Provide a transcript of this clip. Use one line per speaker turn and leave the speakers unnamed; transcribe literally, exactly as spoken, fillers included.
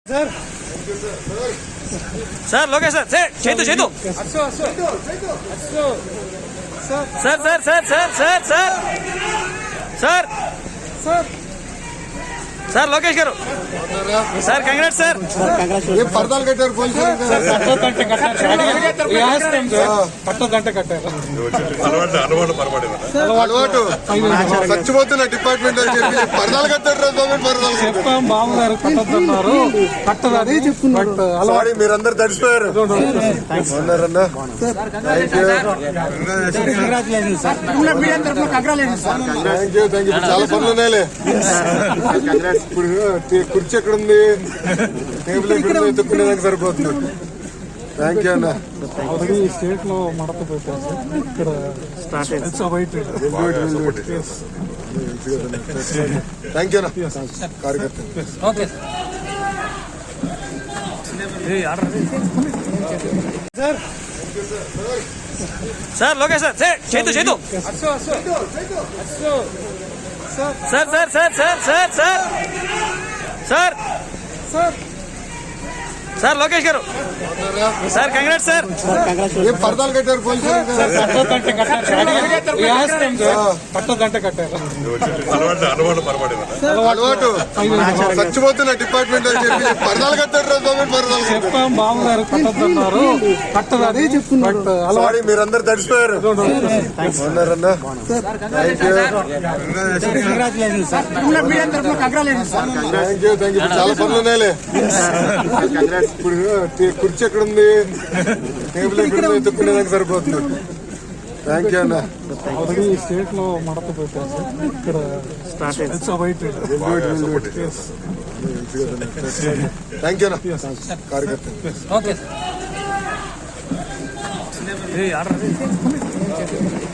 Sir sir Lokesh sir sir చేతు చేతు sir sir sir sir sir sir sir sir sir Lokesh గారు sir congrats sir
పరదాలు కట్టారు
పట్టో గంట కట్టారు
అలవాటు చచ్చిపోతున్న డిపార్ట్మెంట్ అని చెప్పి పరదాలు కట్టారు పరదాలు
చెప్పాం బాబుగారు కట్టొద్దన్నారు కట్టదని చెప్తున్నారు.
సారీ మీరందరూ తడిసిపోయారు. చాలా పనులు ఉన్నాయిలే. ఇప్పుడు కుర్చీ ఎక్కడ ఉంది, టేబుల్ ఎక్కడ ఉంది, ఎత్తుక్కునేదానికి సరిపోతుంది. థ్యాంక్ యూ అన్న.
ఆల్రెడీ స్టేట్ లో మడత పెట్టారు. ఇక్కడ
థ్యాంక్ యూ అన్న కార్యకర్త.
సార్ లోకేష్ సార్ సార్ చేతు చేతు sir sir sir sir sir sir sir sir sir Lokesh గారు సార్ కంగ్రాట్స్ సార్
పరదాలు కట్టారు
పట్టో గంట కట్టారు.
అలవాటు చచ్చిపోతున్న డిపార్ట్మెంట్ అని చెప్పి పరదాలు కట్టారు పరదాలు
చెప్పాం బాబుగారు కట్టొద్దన్నారు కట్టదని చెప్తున్నారు.
సారీ మీరందరూ తడిసిపోయారు. థ్యాంక్ యూ థ్యాంక్ యూ చాలా పనులు ఉన్నాయిలే. ఇప్పుడు కుర్చీ ఎక్కడ ఉంది, టేబుల్ ఎక్కడ ఉంది, ఎత్తుక్కునేదానికి సరిపోతుంది. థ్యాంక్ యూ అన్న.
ఆల్రెడీ స్టేట్ లో మడత పెట్టారు. ఇక్కడ
థ్యాంక్ యూ అన్న కార్యకర్త.